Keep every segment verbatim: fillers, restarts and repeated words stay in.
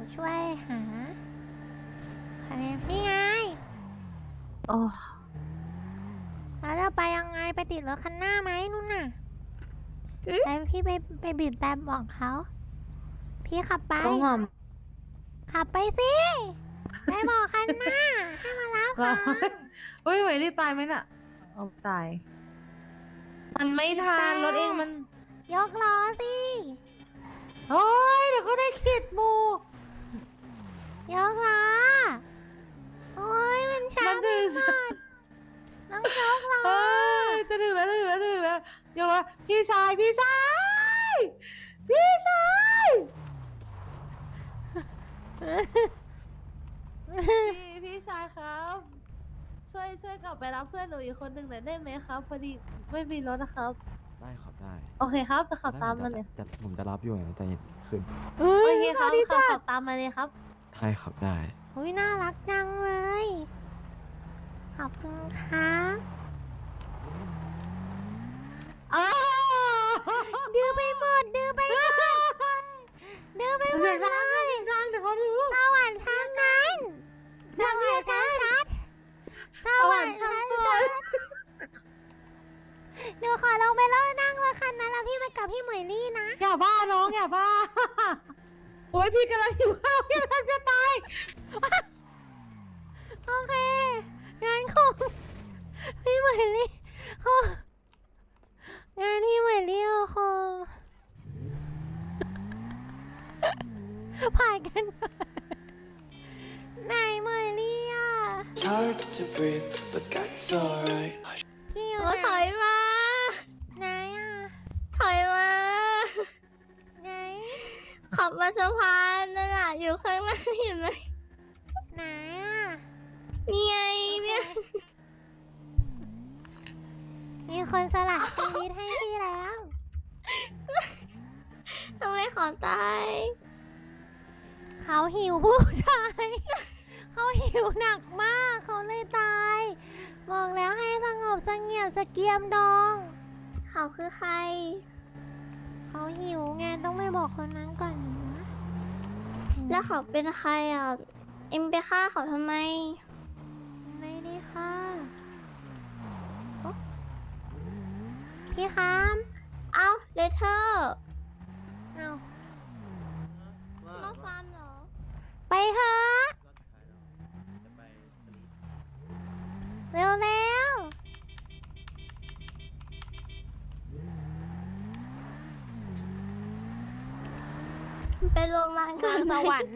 ช่วยหาใครนี่ไงโอ้แล้วเราไปยังไงไปติดรถคันหน้าไหมนู่นน่ะไปพี่ไปไปบีบแต่บอกเขาพี่ขับไปต้องหอมขับไปสิไปบอกคันหน้าให้มารับก็เขาเฮ้ยไหวรีตายไหมน่ะเอาตาย มันไม่ทันรถเองมันยกล้อสิโอ้ยเดี๋ยวก็ได้ขีดหมูยกล้อโอ้ยมันช้ามันไปดื้อหมดต้องยกล้อเฮ้ยจะถึงแล้วจะถึงแล้วจะถึงแล้วเดี๋ยวว่าพี่ชายพี่ชายพี่ชายพี่พี่ชายครับ ช่วยช่วยกลับไปรับเพื่อนหนูอีกคนหนึ่งหน่อยได้ไหมครับพอดีไม่มีรถนะครับได้ครับได้โอเคครับไปขับตามมาเลยจะผมจะรับอยู่ไงใจเย็นขึ้นโอเคครับขับขับตามมาเลยครับได้ครับได้โอ้ยน่ารักจังเลยขอบคุณครับอ้าวดื้อไปหมดดื้อไปหมดดื้อไปหมเสียดงเลดังยเสียงดังเดี๋ยวเขาดูสวรรค์ชั้นนั้นสวรรค์ชั้นชัดสวรรค์ชั้นชัดเดี๋ยวขอลงไปเล่านั่งรถคันนั้นแล้วพี่ไปกับพี่เหมยลี่นะอย่าบ้าน้องอย่าบ้าโอ้ยพี่กำลังหิวข้าวพี่กำลังจะตายโอเคงานของพี่เหมยลี่คงงานพี่เหมยลี่ก็คงผ่านกันไปไหนเหมยลี่อ่ะ It's hard to breathe, but that's alright. พี่อยู่โอ้ไหนถอยมาไหนอ่ะถอยมาไหนขับมาสะพานนั่นน่ะอยู่ข้างหน้าเห็นไหมไหนอ่ะนี่ไงเนี่ยมีคนสละชีวิตให้พี่แล้วทำไมขอตายเขาหิวผู้ชาย เขาหิวหนักมาก เขาเลยตาย บอกแล้วให้สงบเสงี่ยมสเกียมดองเขาคือใครเขาหิวไงต้องไปบอกคนนั้นก่อนนะแล้วเขาเป็นใครอ่ะ เอ็มไปฆ่าเขาทำไมไม่ได้ค่ะโอ๊ะพี่คามเอ้าเลเทอร์เอามาฟาร์มเหรอไปเถอะเร็วเร็วไปโรงพยาบาลๆก่นอนสไหมวรรค์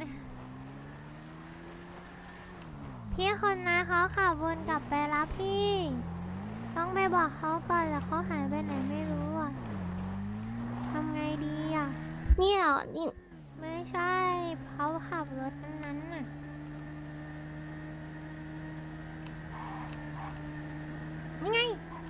พี่คนนะเขาขับวนกลับไปรับพี่ ต้องไปบอกเขาก่อนแล้วเขาหายไปไหนไม่รู้อ่ะทำไงดีอ่ะนี่เหรอ นี่ไม่ใช่เขาขับรถอันนั้นน่ะนี่ไง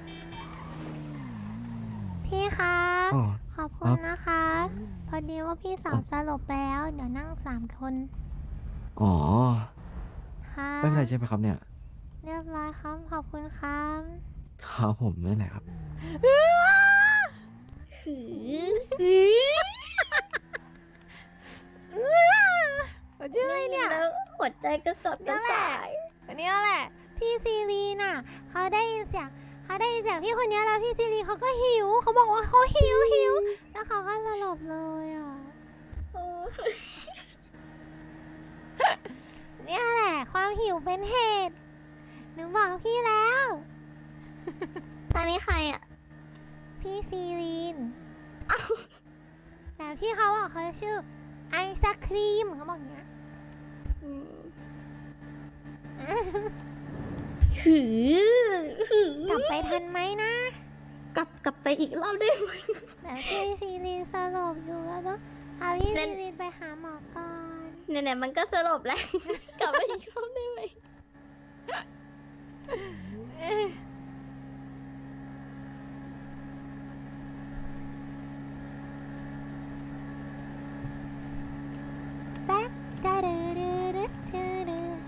พี่คะอ๋อขอบคุณนะคะ พอดีว่าพี่สาวสลบไปแล้ว เดี๋ยวนั่งสามคนอ๋อค่ะไม่เป็นไรใช่ไหมครับเนี่ยเรียบร้อยครับ ขอบคุณครับครับผมไม่เป็นไรครับหือชื่ออะไรเนี่ยแล้วหัวใจกระสับกระส่ายอันนี้แหละ พี่ซีรีน่ะ เขาได้ยินเสียงเขาได้ยินเสียงพี่คนนี้แล้วพี่ซีรีเขาก็หิว เขาบอกว่าเขาหิวหิว แล้วเขาก็สลบเลยอ่ะโอ้เนี่ยแหละ ความหิวเป็นเหตุ หนูบอกพี่แล้วตอนนี้ใครอ่ะพี่ซีรีนแต่พี่เขาบอกเขาชื่อไอศครีมเขาบอกอย่างเงี้ยอืมหือหือกลับไปทันไหมนะกลับกลับไปอีกรอบได้ไหมแต่พี่ซีรีนสลบอยู่แล้วเนอะเอาพี่ซีรีนไปหาหมอก่อนไหนๆมันก็สลบแล้ว กลับไปอีกรอบได้ไหมแป๊กกะดือดือดือดือดือ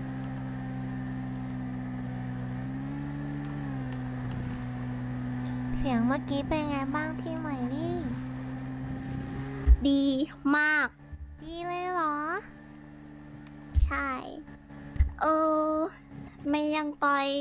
พเสียงเมื่อกี้เป็นไงบ้างพี่เหมยลี่ดีมากดีเลยเหรอใช่ เออ ไม่ยังต่อย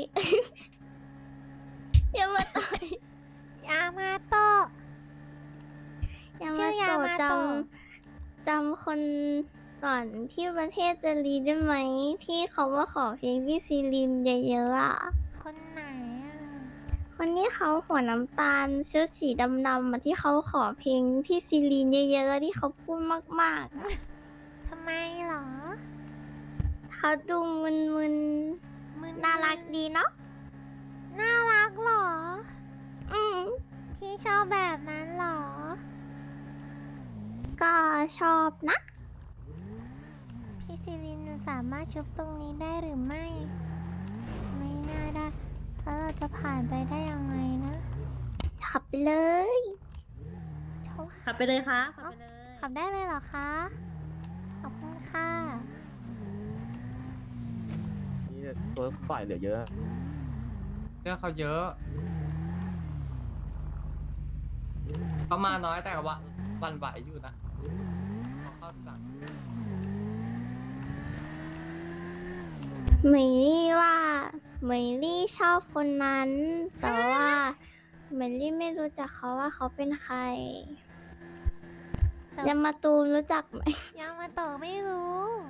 อย่ามาต่อยยามาโตะอย่าชื่มาอยาโตมาจโตะำจำคนก่อนที่ประเทศจะรีได้ไหม ที่เขามาขอเพลงพี่ซีรินเยอะๆอ่ะคนไหนอ่ะคนนี้เขาหัวน้ำตาลชุดสีดำๆอะที่เขาขอเพลงพี่ซีรีนเยอะๆแล้วที่เขาพูดมากๆอะทำไมเหรอเขาดูมึนมึนๆน่ารักดีเนาะน่ารักเหรออืมพี่ชอบแบบนั้นเหรอก็ชอบนะพี่ซิลินสามารถชุบตรงนี้ได้หรือไม่ ไม่น่าได้ แล้วเราจะผ่านไปได้ยังไงนะขับไปเลยเขาขับไปเลยค่ะขับไปเลยขับได้เลยเหรอคะ ขอบคุณค่ะนี่ตัวฝ่ายเหลือเยอะเรื่องเขาเยอะ เขามาน้อยแต่ว่าวันไหวอยู่นะเขาเข้าสั่งเหมยลี่ว่าเหมยลี่ชอบคนนั้น แต่ว่าเหมยลี่ไม่รู้จักเขาว่าเขาเป็นใครแต่ยามาตูมรู้จักไหมยามาโตะไม่รู้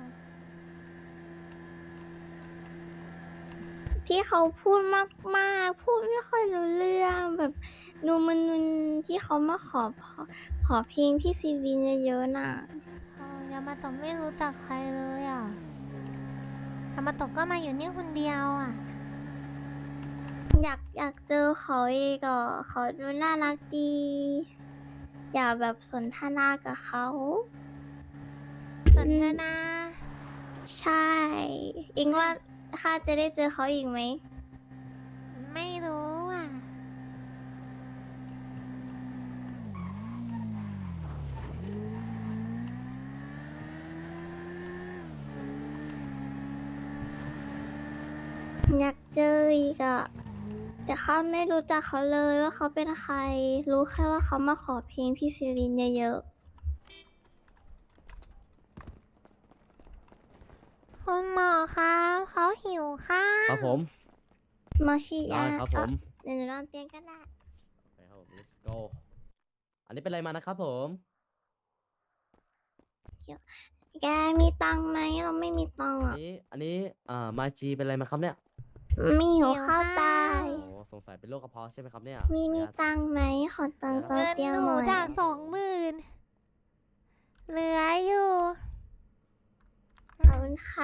ที่เขาพูดมากๆ พูดไม่ค่อยรู้เรื่องแบบนูมันนุนที่เขามาขอพอขอเพลงพี่ซีรีนเยอะๆน่ะเออยามาโตะไม่รู้จักใครเลยอ่ะยามาโตะก็มาอยู่นี่คนเดียวอ่ะอยากอยากเจอเขาอีกอ่ะเขาดูน่ารักดี อยากแบบสนทนากับเขาสนทนาใช่อิงว่าข้าจะได้เจอเขาอีกไหมไม่รู้อ่ะอยากเจออีกอ่ะแต่ข้าไม่รู้จักเขาเลยว่าเขาเป็นใคร รู้แค่ว่าเขามาขอเพลงพี่ซีรินเยอะคุณหมอครับเขาหิวข้าวครับผมๆมาชิได้ยาครับผมเดี๋ยวหนูนอนเตียงก็ได้ไปครับผม let's go อันนี้เป็นอะไรมานะครับผมแกมีตังค์ไหมเราไม่มีตังค์อันอ่ะนี้ อันนี้ อ่า มาจีเป็นอะไรมาครับเนี่ยมีหิวข้าวตายโอ้สงสัยเป็นโรคกระเพาะใช่ไหมครับเนี่ยมีมีขออนุญาตตังค์ไหมขอตังค์ตอนเงินเตียงหหนูน่อยจากสองหมื่นเหลืออยู่ขอบคุณค่ะ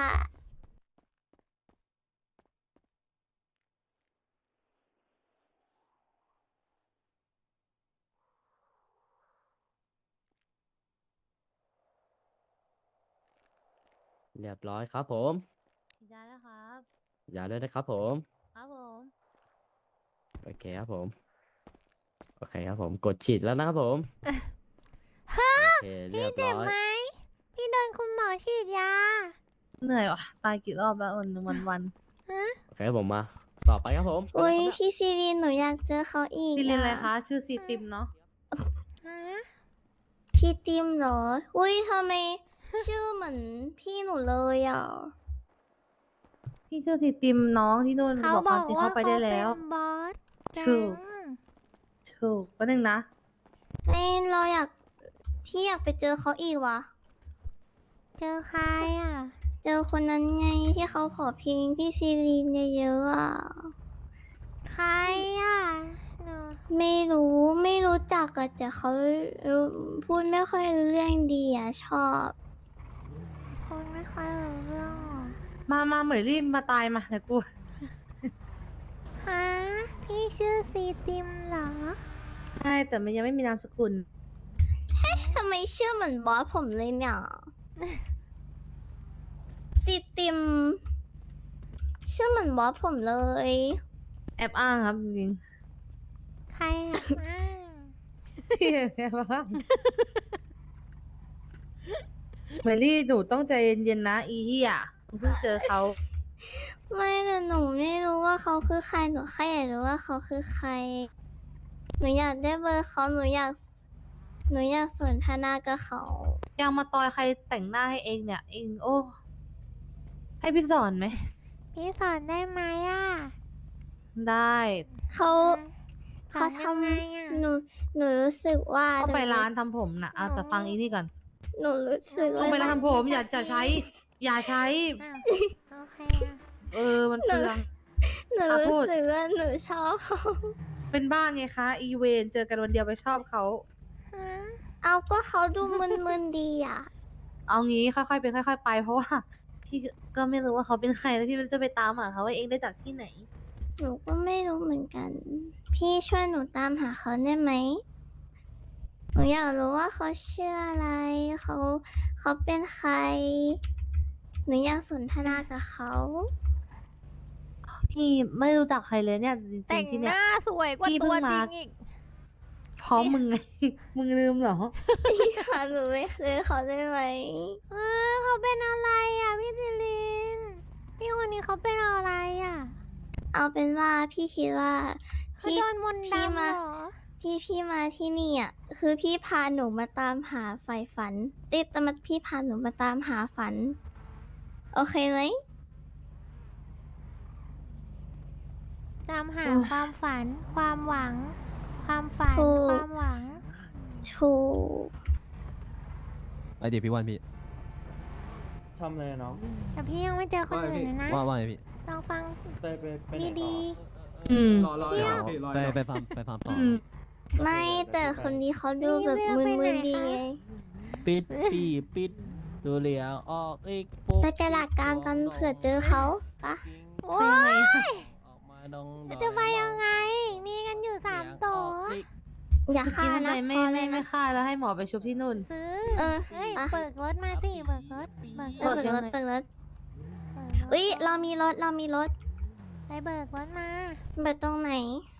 เรียบร้อยครับผมได้แล้วครับอย่าเลยนะครับผมครับผมโอเคครับผม โอเคครับผม กดฉีดแล้วนะครับผมฮะโอเคเรีพี่ยบเจ็บร้อยไหม พี่โดนคุณหมอฉีดยาเหนื่อยว่ะ ตายกี่รอบแล้ววันหนึ่งวันวันโอเคครับผมมา ต่อไปครับผมอุ้ยเป็นไรครับพี่ซีรีนหนูอยากเจอเขาอีกซีเรียนอะไรอะคะ ชื่อซีติมเนาะฮะพี่ติมเหรอ อุ้ยทำไม ชื่อเหมือนพี่หนูเลยอ่ะพี่ชื่อซีติมน้องที่นู่นเขาบอกบควาอมกจริงว่าเข้าไปได้เขาเป็แล้วนบอสแก๊ถูกงถูกแป๊บนึงนะเอ้ยเราอยากพี่อยากไปเจอเขาอีกวะเจอใครอ่ะเจอคนนั้นไงที่เขาขอเพลงพี่ซีรีนเยอะๆอ่ะใครอ่ะหนูไม่รู้ไม่รู้จักอะแต่เขาพูดไม่ค่อยรู้เรื่องดีอ่ะชอบคุณไม่ค่อยรู้เรื่องหรอมามาเหมยรีบมาตายมาเดี๋ยวกูฮะ พี่ชื่อซีติมเหรอใช่แต่มันยังไม่มีนามสกุลทำไมชื่อเหมือนบอสผมเลยเนี่ยซีติม ชื่อเหมือนบอสผมเลยแอบอ้างครับจริงใครอ่ะอ้าวๆ แอบอ้างเหมยรี่หนูต้องใจเย็นๆนะอีเหี้ยหนูเพิ่งเจอเขาไม่แต่หนูไม่รู้ว่าเขาคือใครหนูแค่อยากรู้ว่าเขาคือใครหนูอยากได้เบอร์เขาหนูอยากหนูอยากสนทนากับเขายังมาตอยใครแต่งหน้าให้เองเนี่ย เองโอ้ ให้พี่สอนไหมพี่สอนได้ไหมอ่ะได้เขาสเขาอนทยังไงอ่ะำหนูหนูรู้สึกว่าก็ไปร้านทำผมนะเอาแต่ฟังอีนี่ก่อนหนูรู้สึกต้อว่างไปร้านทำผม อย่าจะใช้ อย่าใช้อ้าวโอเคอ่ะเออ มันเปลืองหนูอ่ะพูรู้ดสึกว่าหนูชอบเขาเป็นบ้าไงคะ อีเวนเจอกันวันเดียวไปชอบเขาฮะเอาก็เขาดูมึนๆดีอ่ะเอางี้ค่อยๆเป็นค่อย ๆ ไป เพราะว่า พี่ก็ไม่รู้ว่าเขาเป็นใครแล้วพี่มันจะไปตามหาเขาว่าเองได้จากที่ไหนหนูก็ไม่รู้เหมือนกัน พี่ช่วยหนูตามหาเขาได้ไหม หนูอยากรู้ว่าเขาชื่ออะไร เขาเขาเป็นใคร หนูอยากสนทนากับเขาพี่ไม่รู้จักใครเลยเนี่ยจริแต่งงๆที่หเนี่ยน้าสวยกว่าพี่เพิ่ตัวงจริมางอีกพร้อมมึงไง มึงลืมเหรอพี่พาหนูไปซื้อเขาได้ไหมเออเขาเป็นอะไรอ่ะพี่จิลิน พี่คนนี้เขาเป็นอะไรอ่ะเอาเป็นว่าพี่คิดว่าเขาพี่โดนมนต์พี่ดำมาเหรอที่พี่มาที่นี่อ่ะคือพี่พาหนูมาตามหาไฟฝันเอ๊ะแต่มาพี่พาหนูมาตามหาฝัน โอเคไหมตามหาโอ้ยความฝัน ความหวัง ความฝันถูกความหวังถูกไปเดี๋ยวพี่วันพี่ชอบเลยน้องแต่พี่ยังไม่เจอคนอื่นเลยนะว่าว่าไงพี่ลองฟังไปไปไปไหนดีต่ออืมรอรอเที่รยอวพี่รอไปไปฟาร์มไปฟาร์มต่ออืมไม่แต่คนนี้เขาดูแบบรีวิวไปมึนไหนๆดีคะไงปิดปีปิดดูเหลียวออกอีกปุ๊บไปกระดาษกลางกันเผื่อเจอเขาปะๆ โอ้ไปยังไงยออกมาดงจะไปยังไง มีกันอยู่สามตัวอย่าจะฆ่ากินทำนะไมไม่พอเลไม่ยไม่นะฆ่าแล้วให้หมอไปชุบที่นู่นซื้อเออเอ้ยปะเปิดรถมาสิเบิกรถเบิกเอรอถเปิดรถยังไงเปิดรถเปิดรถอุ้ยเรามีรถเรามีรถไปเบิกรถมาเปิดตรงไหน